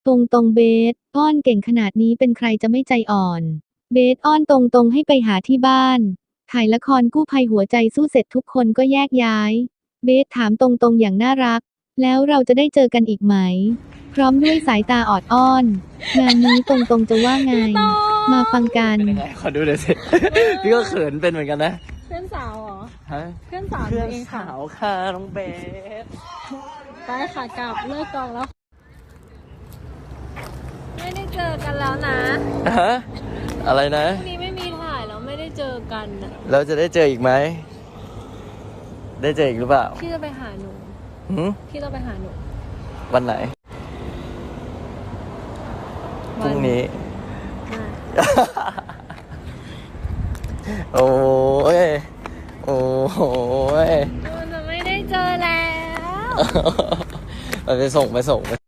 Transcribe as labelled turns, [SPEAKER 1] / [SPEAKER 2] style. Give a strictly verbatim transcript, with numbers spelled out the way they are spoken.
[SPEAKER 1] ตรงตรงเบสอ้อนเก่งขนาดนี้เป็นใครจะไม่ใจอ่อนเบสอ้อนตรงตรงให้ไปหาที่บ้านถ่ายละครกู้ภัยหัวใจสู้เสร็จทุกคนก็แยกย้ายเบสถามตรงตรงอย่างน่ารักแล้วเราจะได้เจอกันอีกไหมพร้อมด้วยสายตาออดอ้อนงานนี้ตรงตรงจะว่าไงมาฟังกัน
[SPEAKER 2] เป็นยังไงขอดูหน่อยสิ พี่ก็เขินเป็นเหมือนกันนะ
[SPEAKER 3] เพื่อนสาวเหรอ
[SPEAKER 2] ฮะ
[SPEAKER 3] เพื่อนสาว
[SPEAKER 2] เพื่อน
[SPEAKER 3] เองค่ะ
[SPEAKER 2] สาวค่ะน้องเบส
[SPEAKER 3] ไปค่ะกลับเลิกกองแล้ว ไม่ได้เจอกันแล้วนะ
[SPEAKER 2] ฮะอะไรนะ
[SPEAKER 3] พรุ่งนี้ไม่มีถ่ายแล้วไม่ได้เจอกันนะ
[SPEAKER 2] เราจะได้เจออีกไหมได้เจออีกหรือเปล่า
[SPEAKER 3] พี่จะไปหาหนู
[SPEAKER 2] หืม
[SPEAKER 3] พี่ต้องไปหาหนู
[SPEAKER 2] วันไหนพรุ่งนี้
[SPEAKER 3] ได้
[SPEAKER 2] โอ้ยโอ้ย
[SPEAKER 3] มันจะไม่ได้เจอแล้ว
[SPEAKER 2] ไปไปส่งไปส่งไป